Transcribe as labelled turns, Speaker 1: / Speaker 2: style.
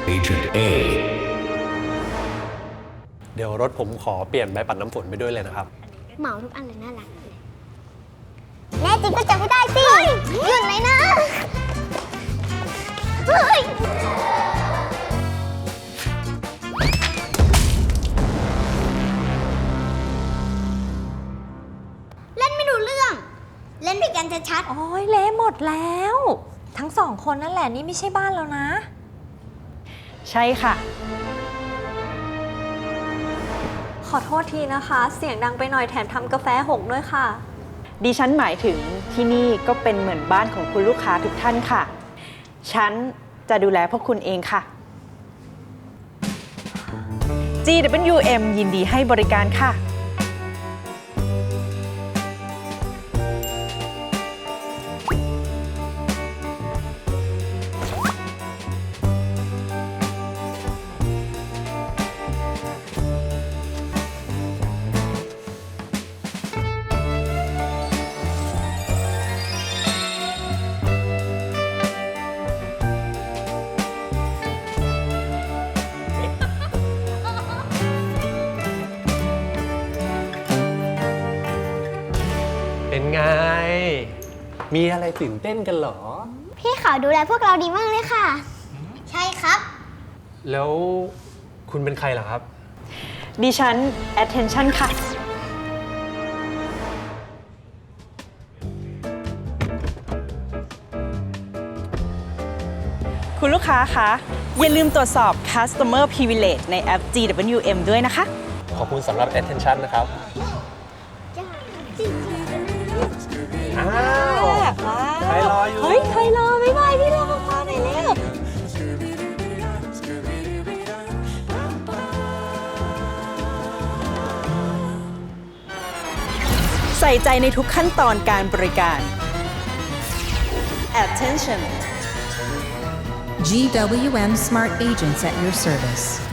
Speaker 1: Agent A
Speaker 2: เดี๋ยวรถผมขอเปลี่ยนใบปัดน้ำฝนไปด้วยเลยนะครับ
Speaker 3: เหมาทุกอันเลยน่ารักเลยแน่จริงก็จับไม่ได้สิหยุดเลยนะเฮ้ยเล่นไม่รู้เรื่อง เล่นผิดกันชัด
Speaker 4: โอ้ยเละหมดแล้ว ทั้งสองคนนั่นแหละนี่ไม่ใช่บ้านแล้วนะ
Speaker 5: ใช่ค่ะ
Speaker 4: ขอโทษทีนะคะ เสียงดังไปหน่อยแถมทำกาแฟหกด้วยค่ะ
Speaker 5: ดิฉันหมายถึงที่นี่ก็เป็นเหมือนบ้านของคุณลูกค้าทุกท่านค่ะ ฉันจะดูแลพวกคุณเองค่ะ GWM ยินดีให้บริการค่ะ
Speaker 2: เป็นไง มีอะไรตื่นเต้นกันเหรอ
Speaker 3: ๆ พี่เขาดูแลพวกเราดีมากเลยค่ะ ใช่ครับ
Speaker 2: แล้วคุณเป็นใครเหรอครับ
Speaker 5: ดิฉัน attention ค่ะ คุณลูกค้าคะอย่าลืมตรวจสอบ customer privilege ในแอป GWM ด้วยนะคะ
Speaker 2: ขอบคุณสำหรับ attention นะครับ อ้าวใครรออยู่
Speaker 4: เฮ้ย ใครรอไม่ไหวพี่รอมาหน่อยเร็ว
Speaker 5: ใส่ใจในทุกขั้นตอนการบริการ attention
Speaker 6: GWM Smart Agents at your service.